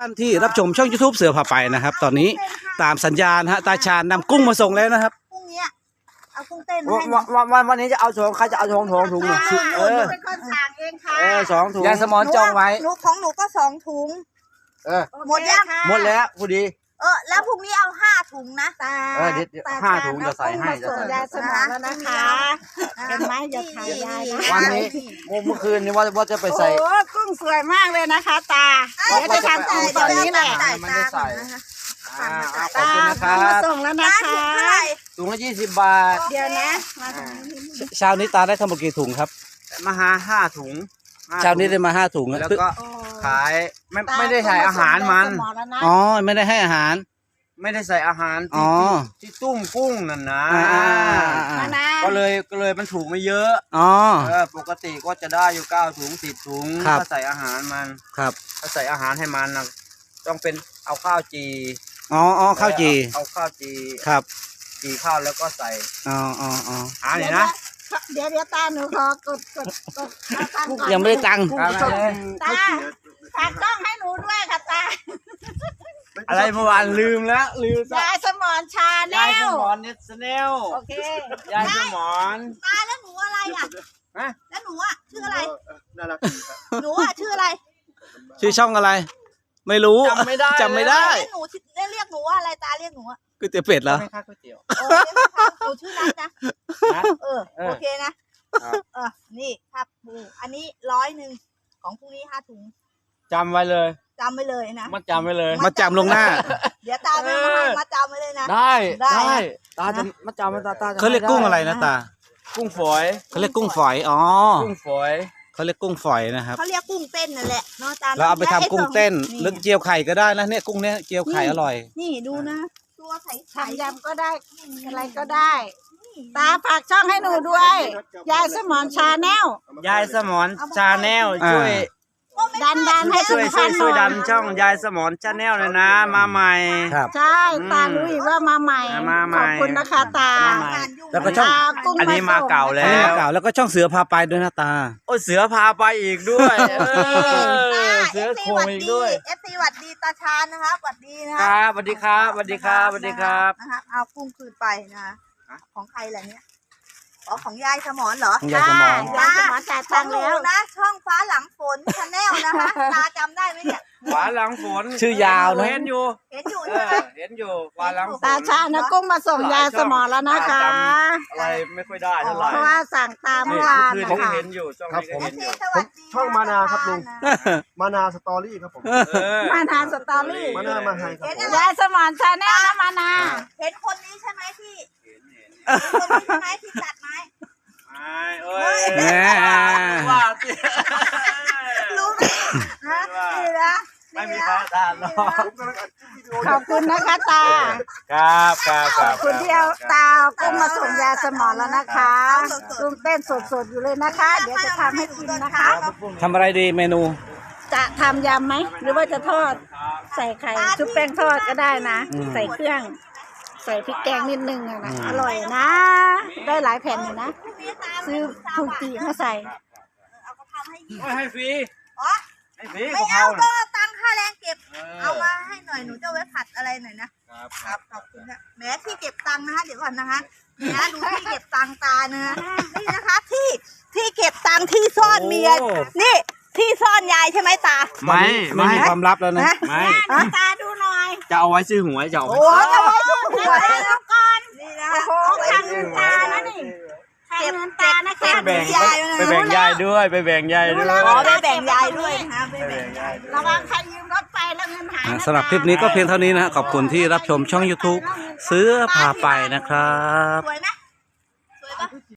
ท่านที่รับชมช่อง YouTube เสือพาไปนะครับตอนนี้ตามสัญญาณฮะตาชาญนำกุ้งมาส่งแล้วนะครับพรุ่งนี้เอากุ้งเต้นให้วันนี้จะเอา2ใครจะเอาถุงหนูเป็นคนสั่งเองค่ะ 2 ถุงยายสมอนจองไว้ของหนูก็2 ถุงหมดยังหมดแล้วพอดีแล้วพรุ่งนี้เอา5 ถุงนะเดี๋ยว5 ถุงจะใส่ให้จะใส่ยายสมอนแล้วนะคะเป็นไหมจะถ่ายยายวันนี้เมื่อคืนนี้ว่าจะไปใส่โอ้กุ้งสวยมากเลยนะคะตาเดี๋ยวจะทำกุ้งตอนนี้แหละไม่ได้ใส่ตามาส่งแล้วนะคะถุงละ20 บาทเดี๋ยวนะเช้านี้ตาได้ทั้งหมดกี่ถุงครับมาหา5 ถุงเช้านี้ได้มา5 ถุงแล้วก็ขายไม่ได้ใส่อาหารมันอ๋อไม่ได้ให้อาหารไม่ได้ใส่อาหารที่ตุ้มกุ้งนั่นนะก็เลยมันถูกไม่เยอะปกติก็จะได้อยู่9 ถุง10 ถุงถ้าใส่อาหารมันถ้าใส่อาหารให้มันนะต้องเป็นเอาข้าวจีข้าวจีเอาข้าวจีจีข้าวแล้วก็ใส่เนี่ยนะเดี๋ยวตาหนูขอกดยังไม่ได้ตังค์ตาฝากต้องให้หนูด้วยค่ะตาอะไรเมื่อวานลืมยายสมอนชาแนลยายสมอนเน็ตแนลโอเคยายสมอนตาแล้วหนูอะไรอ่ะแล้วหนูชื่ออะไรน่ารักหนูชื่ออะไรชื่อช่องอะไรไม่รู้จำไม่ได้หนูเรียกหนูว่าอะไรตาเรียกหนูก๋วยเตี๋ยวเป็ดเหรอไม่ค่าก๋วยเตี๋ยวหนูชื่อนัทนะโอเคนะนี่ครับปูอันนี้100ของพรุ่งนี้5 ถุงจำไว้เลยนะมาจำไว้เลยมาจำลงหน้าเดี๋ยวตามาจำไว้เลยนะได้ตาจะมาจำตาเขาเรียกกุ้งอะไรนะตากุ้งฝอยเขาเรียกกุ้งฝอยกุ้งฝอยเขาเรียกกุ้งฝอยนะครับเขาเรียกกุ้งเต้นนั่นแหละเนาะตาเราเอาไปทำกุ้งเต้นหรือเจียวไข่ก็ได้นะเนี่ยกุ้งเนี่ยเจียวไข่อร่อยนี่ดูนะตัวไข่ทำยำก็ได้อะไรก็ได้ตาฝากช่องให้หนูด้วยยายสมอนชาแนลยายสมอนชาแนลช่วยดันให้ช่วยดันช่องยายสมอนชาแนลเลยนะมาใหม่ใช่ตารู้อีกว่ามาใหม่ขอบคุณนะคะตาแล้วก็ช่องอันนี้มาเก่าแล้วก็ช่องเสือพาไปด้วยนะตาเสือพาไปอีกด้วยเสือโคงอีกด้วย FC หวัดดีตาชาญนะครับหวัดดีนะครับสวัสดีครับนะครับเอากุ้งคืนไปนะของใครล่ะเนี่ยของยายสมอนเหรอยายสมอนจ่ายตังค์แล้วนะช่องฟ้าหลังฝนชาแนลนะคะตาจำได้ไหมเนี่ยฟ้าหลังฝนชื่อยาวนะเห็นอยู่ใช่ไหมเห็นอยู่ฟ้าหลังฝนตาชานะกุ้งมาส่งยายสมอนแล้วนะคะอะไรไม่ค่อยได้เท่าไหร่เพราะว่าสั่งตามเมื่อวานนะคะเห็นอยู่ช่องนี้ก็เห็นอยู่ช่องมานาครับลุงมานาสตอรี่ครับผมมานาสตอรี่มานามาให้ครับยายสมอนชาแนลนะมานาเห็นคนนี้ใช่ไหมที่คนนี้ใช่ไหมที่ตัดไม้ว่ารู้นะไม่มีเขาตาหรอกขอบคุณนะคะตาขอบคุณที่เอาตากุ้งมาส่งยาสมอนแล้วนะคะกุ้งเต้นสดๆอยู่เลยนะคะเดี๋ยวจะทำให้กินนะคะทำอะไรดีเมนูจะทำยำไหมหรือว่าจะทอดใส่ไข่ชุบแป้งทอดก็ได้นะใส่เครื่องใส่พริกแกงนิดนึงนะอร่อยนะได้หลายแผ่นอยู่นะซื้อถูกตีมาใส่ให้ฟรีไม่เอาก็ตั้งค่าแรงเก็บเอามาให้หน่อยหนูจะไว้ผัดอะไรหน่อยนะครับขอบคุณนะแม้ที่เก็บตังค์นะคะเดี๋ยวก่อนนะคะเนี่ยดูที่เก็บตังค์ตาเนื้อนี่นะคะที่เก็บตังค์ที่ซ่อนเมียนี่ที่ซ่อนยายใช่ไหมตาไม่มีความลับแล้วนะไม่ตาดูหน่อยจะเอาไว้ซื้อหวยจะเอาไว้จะไว้ซื้อหวยแล้วก่อนนี่นะโอ้ทางเงินตานะนี่เก็บเงินตานะไปแบ่งยายด้วยไปแบ่งยายด้วยไปแบ่งยายด้วยนะไปแบ่งยายระวังใครยืมรถไปแล้วเงินหายสำหรับคลิปนี้ก็เพียงเท่านี้นะขอบคุณที่รับชมช่อง YouTube เสือพาไปนะครับสวยไหมสวยปะ